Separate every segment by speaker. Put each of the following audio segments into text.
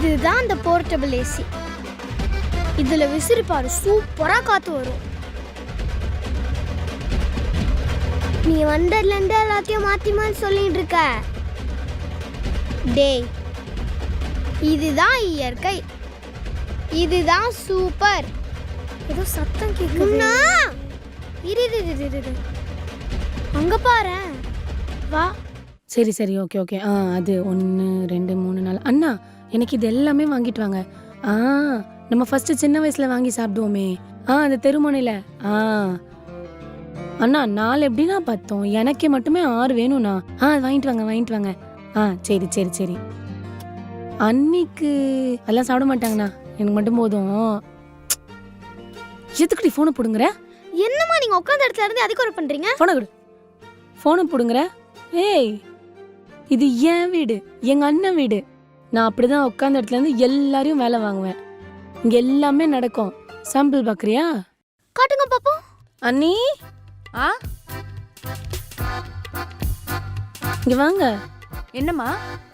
Speaker 1: இதுதான் அந்த portable AC. இதுல விசிறிப்பாரு சூப்பரா காத்து வரும். நீ வண்டர்ல இருந்து எல்லாத்தையும் மாத்தி சொல்லிட்டு இருக்க. டேய், இதுதான் இயற்கை, இதுதான் சூப்பர். ஏதோ சத்தம் கேக்குது. இரு அங்க பாரு. வா.
Speaker 2: சரி சரி, ஓகே ஓகே. அது 1 2 3 4. அண்ணா, எனக்கு இது எல்லாமே வாங்கிட்டு வாங்க. நம்ம ஃபர்ஸ்ட் சின்ன வயசுல வாங்கி சாப்பிடுவோமே, அந்த தெருமுனையில. அண்ணா, 4 எப்படின்னா பார்த்தோம், எனக்கே மட்டுமே 6 வேணும்ண்ணா. வாங்கிட்டு வாங்க. சரி சரி சரி. அன்னைக்கு எல்லாம் சாப்பிட மாட்டாங்கண்ணா, எனக்கு மட்டும் போதும். எதுக்குடி ஃபோனை போடுங்கிற?
Speaker 1: என்னம்மா நீங்க உட்கார்ந்த இடத்துல இருந்து அதுக்கு ஒரு பண்றீங்க?
Speaker 2: ஃபோனை கொடு. ஃபோனை போடுங்கிற? ஏய், இது என் வீடு, எங்க அண்ணன் வீடு. நான் அப்படிதான் உட்கார்ந்த இடத்துல இருந்து எல்லாரையும் வேலை வாங்குவேன். இங்க எல்லாமே நடக்கும். சாம்பிள் பாக்குறியா?
Speaker 1: காட்டுங்க பாப்போம்.
Speaker 2: அண்ணி, இங்க வாங்க.
Speaker 3: என்னம்மா?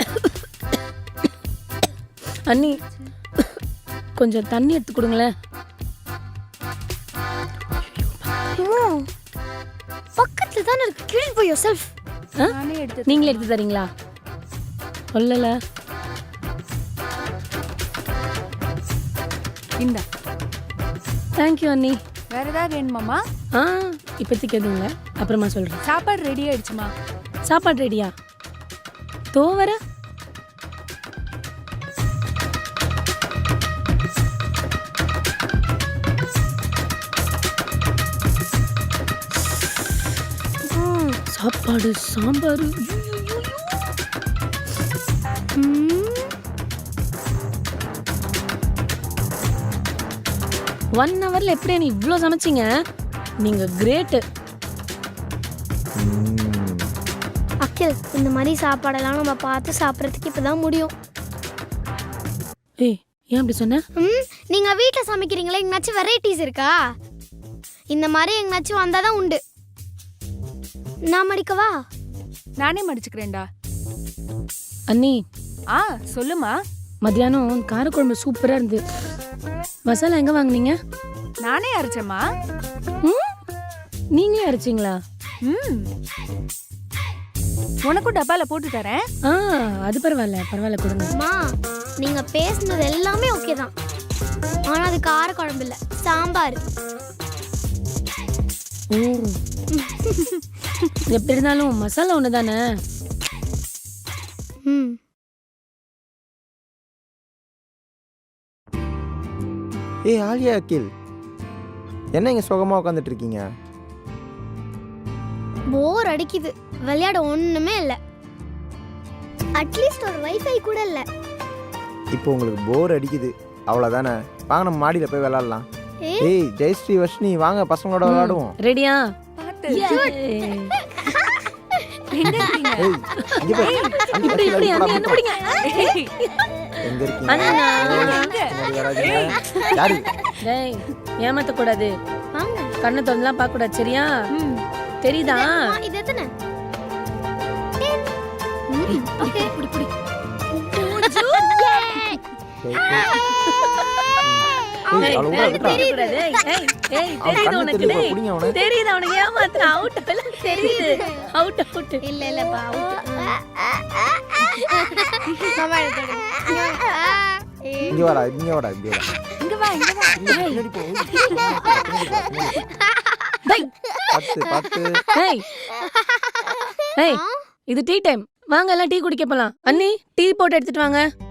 Speaker 2: அண்ணி, கொஞ்சம் தண்ணி எடுத்து கொடுங்களேன்.
Speaker 1: பக்கத்துல தான இருக்கு. Clean for yourself.
Speaker 2: நீங்களே எடுத்து தரீங்களா? சொல்லல.
Speaker 3: இந்தா.
Speaker 2: தேங்க்யூ அண்ணி.
Speaker 3: வேற ஏதாவது வேணுமாமா?
Speaker 2: இப்போதைக்கு எதுவும் இல்லை, அப்புறமா சொல்றேன்.
Speaker 3: சாப்பாடு ரெடி ஆயிடுச்சுமா?
Speaker 2: சாப்பாடு ரெடியா? தோ வர. சாப்பாடு சாம்பார். 1 ஹவர்ல எப்படி நீ இவ்ளோ சமைச்சீங்க? நீங்க கிரேட்.
Speaker 1: அக்கில், இந்த மாதிரி சாப்பாடெல்லாம் நம்ம பார்த்து சாப்பிட்றதுக்கு இப்பதான் முடியும்.
Speaker 2: ஏய், ஏன் அப்படி சொன்ன?
Speaker 1: நீங்க வீட்ல சமைக்கிறீங்களா? எங்கனாச்சும் வெரைட்டிஸ் இருக்கா? இந்த மாதிரி எங்கனாச்சும் வந்தாதான் உண்டு. நான் மடிக்கவா?
Speaker 3: நானே மடிச்சுக்கிறேன்டா.
Speaker 2: அண்ணி,
Speaker 3: சொல்லுமா.
Speaker 2: மத்தியானம் காரக்குழம்பு சூப்பரா இருந்து. மசாலா எங்க வாங்குனீங்க?
Speaker 3: நானே அரைச்சேம்மா.
Speaker 2: நீங்களே அரைச்சிங்களா?
Speaker 3: உனக்கும் டப்பால போட்டு தரேன்.
Speaker 2: அது பரவாயில்ல கொடுங்க.
Speaker 1: அம்மா, நீங்க பேசுனது எல்லாமே ஓகே தான், ஆனா அது காரக்குழம்பு இல்ல, சாம்பார்.
Speaker 2: எப்படி இருந்தாலும் மசாலா ஒண்ணு தானே.
Speaker 4: ஏய் ஆலியா, அகில், என்ன இங்க சுகமா உட்காந்துட்டு இருக்கீங்க?
Speaker 1: போர் அடிக்குது, விளையாட ஒண்ணுமே இல்ல. அட்லீஸ்ட் ஒரு வைஃபை கூட இல்ல.
Speaker 4: இப்போ உங்களுக்கு போர் அடிக்குது அவ்வளவுதானே? வாங்க நம்ம மாடியில போய் விளையாடலாம். ஏய் ஜெயஸ்ரீ, வர்ஷினி, வாங்க பசங்களோட விளையாடுவோம்.
Speaker 2: ரெடியா?
Speaker 3: பாத்து.
Speaker 4: எங்க இருக்கீங்க? இங்க பாரு.
Speaker 2: இப்படி என்ன பிடிங்க?
Speaker 4: எங்க இருக்கீங்க? யாரு?
Speaker 2: டேய், ஏமாத்த கூடாது.
Speaker 1: வாங்க.
Speaker 2: கண்ணை தொறந்துலாம் பார்க்க கூடாது, சரியா? தெரியுதா?
Speaker 1: இது எத்தனை?
Speaker 2: ஓகே, புடி. தெரியுது அவனுக்கு ஏமாத்துற. அவுட் தெரியுது. அவுட்
Speaker 1: இல்லப்பா.
Speaker 4: இங்க வாடா.
Speaker 2: இது டீ டைம். வாங்க எல்லாம் டீ குடிக்க போலாம். அண்ணி, டீ போட்டு எடுத்துட்டு வாங்க.